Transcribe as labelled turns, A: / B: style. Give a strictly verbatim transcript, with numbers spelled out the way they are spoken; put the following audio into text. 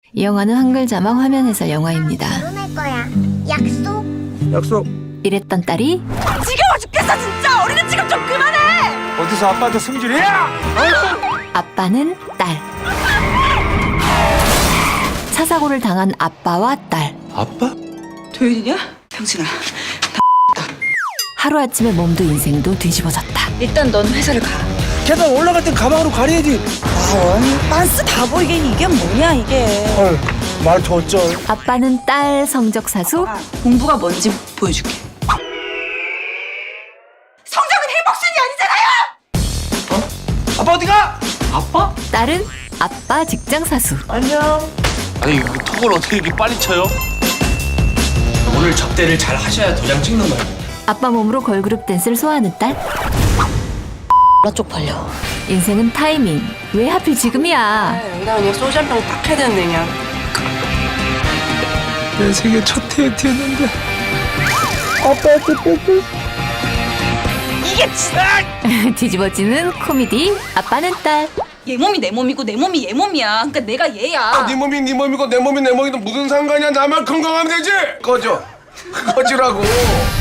A: 이 영화는 한글 자막 화면 해설 영화입니다.
B: 결혼할 거야. 약속?
C: 약속.
A: 이랬던 딸이
D: 지겨워 죽겠어 진짜. 어린애 지금 좀 그만해.
C: 어디서 아빠한테 승질이야?
A: 아빠는 딸. 차 사고를 당한 아빠와 딸.
C: 아빠?
D: 도윤이냐? 병신아.
A: 하루아침에 몸도 인생도 뒤집어졌다.
D: 일단 넌 회사를 가.
C: 계단 올라갈 땐 가방으로 가려야지.
D: 아원 빤스 다 보이게 이게 뭐냐 이게.
C: 헐, 말더 어쩔.
A: 아빠는 딸 성적 사수.
D: 아, 공부가 뭔지 보여줄게. 성적은 행복순이 아니잖아요.
C: 아빠 어디가? 아빠?
A: 딸은 아빠 직장 사수.
C: 안녕.
E: 아니 이거 턱을 어떻게 이렇게 빨리 쳐요?
F: 오늘 접대를 잘 하셔야 도장 찍는 거예요.
A: 아빠 몸으로 걸그룹 댄스를 소화하는 딸.
G: 나 쪽팔려.
A: 인생은 타이밍. 왜 하필 지금이야?
G: 여기다 그냥 소주 한 병 딱 해야 되는데 그냥.
C: 내 생애 첫 데이트였는데.
D: 이게 진짜.
A: 뒤집어지는 코미디. 아빠는 딸.
D: 얘 몸이 내 몸이고 내 몸이 얘 몸이야. 그러니까 내가 얘야.
C: 네 몸이 네 몸이고 내 몸이 내 몸이고 무슨 상관이야? 나만 건강하면 되지. 꺼져. 꺼지라고.